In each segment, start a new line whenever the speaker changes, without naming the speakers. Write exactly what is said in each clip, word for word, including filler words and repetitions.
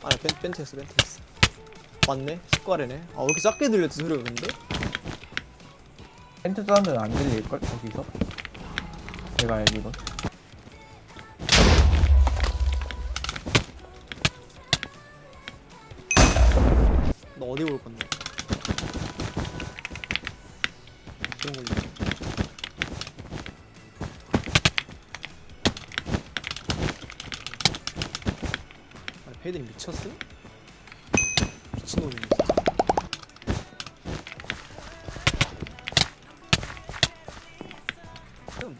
아니 벤, 벤트였어 벤트였어. 맞네 습관이네. 아 왜 이렇게 작게 들렸지 소리가 근데?
텐트 사운드는 안 들릴걸 거기서? 내가 알기론.
너 어디 볼 건데? 그런 걸로. 아니 페이드니 미쳤어? 미친놈이네 진짜. 그럼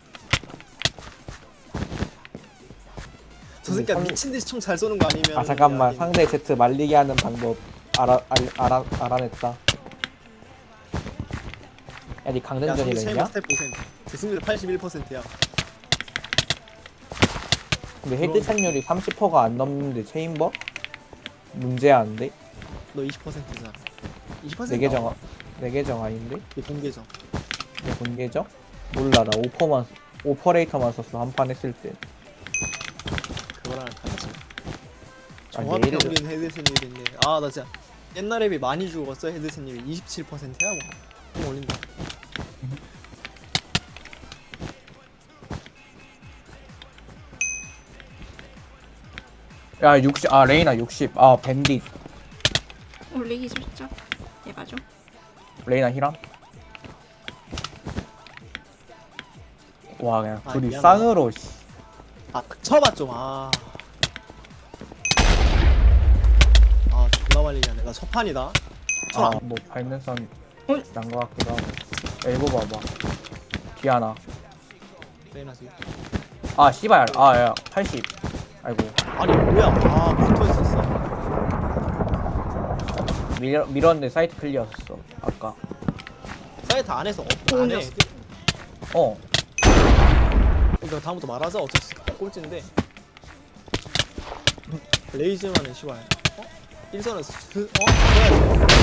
저 새끼가
상-
미친듯이 총 잘 쏘는 거 아니면
아 잠깐만,
아니,
상대 Z 말리게 하는 방법 알아 알, 알아 알아냈다. 야, 니
야
강등전이라
상대
했냐?
체인버 스텝 퍼센트 제 승률 팔십일 퍼센트야.
근데 헤드 착률이 삼십 퍼센트가 안 넘는데 체인버? 문제야 안 돼?
너 이십 퍼센트잖아. 이십
내
퍼센트
계정 내 계정 아닌데?
내 공계정.
내 본 계정? 몰라, 나 오퍼만 오퍼레이터만 썼어 한 판 했을 때.
그거랑 같이
아,
종합
내일은-
평균 헤드 승률이 있네. 아 나 진짜 옛날에 비해 많이 죽었어. 헤드 승률이 이십칠 퍼센트야 뭐. 좀 올린다.
야 육십, 아 레이나 육십, 아 밴딧.
올리기 살짝 해봐줘.
레이나 히람? 와 그냥
아,
둘이
미안하다.
쌍으로 씨.
아 쳐봐 좀. 아. 아 존나 말리게 하네. 나 첫 판이다. 쳐.
아뭐 밟는 선
어이.
난거 같기도 하고. 엘보 봐봐. 디아나.
레이나지.
아 씨발, 아야 팔십. 아이고.
아니 뭐야? 아 붙어 있었어.
밀, 밀었는데 사이트 클리어였어 아까.
사이트 안에서 업
돈이
안에.
없어.
어
이거 다음부터 말하자. 어차피 꼴찌인데. 레이즈만은 시발. 어? 일선에서 그 어? 뭐야?